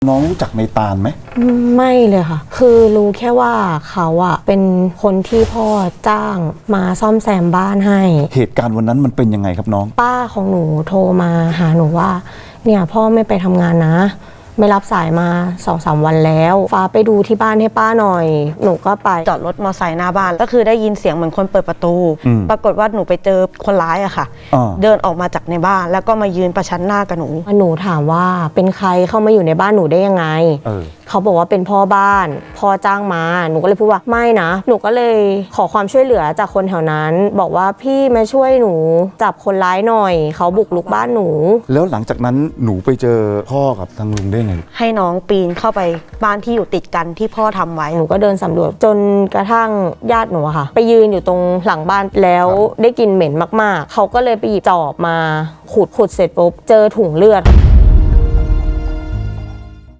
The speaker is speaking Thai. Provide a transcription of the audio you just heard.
น้องรู้จักในตาลไหมไม่เลยค่ะคือรู้แค่ว่าเขาอะเป็นคนที่พ่อจ้างมาซ่อมแซมบ้านให้เหตุการณ์วันนั้นมันเป็นยังไงครับน้องป้าของหนูโทรมาหาหนูว่าเนี่ยพ่อไม่ไปทำงานนะไม่รับสายมา 2-3 วันแล้วฟ้าไปดูที่บ้านให้ป้าหน่อยหนูก็ไปจอดรถมอเตอร์ไซค์หน้าบ้านก็คือได้ยินเสียงเหมือนคนเปิดประตูปรากฏว่าหนูไปเจอคนร้ายอะค่ะเดินออกมาจากในบ้านแล้วก็มายืนประชันหน้ากับหนูถามว่าเป็นใครเข้ามาอยู่ในบ้านหนูได้ยังไงเขาบอกว่าเป็นพ่อบ้านพ่อจ้างมาหนูก็เลยพูดว่าไม่นะหนูก็เลยขอความช่วยเหลือจากคนแถวนั้นบอกว่าพี่มาช่วยหนูจับคนร้ายหน่อยเขาบุกรุกบ้านหนูแล้วหลังจากนั้นหนูไปเจอพ่อกับทางลุงได้ไงให้น้องปีนเข้าไปบ้านที่อยู่ติดกันที่พ่อทำไว้หนูก็เดินสำรวจจนกระทั่งญาติหนูค่ะไปยืนอยู่ตรงหลังบ้านแล้วได้กลิ่นเหม็นมากๆเขาก็เลยไปหยิบจอบมาขุดเสร็จปุ๊บเจอถุงเลือด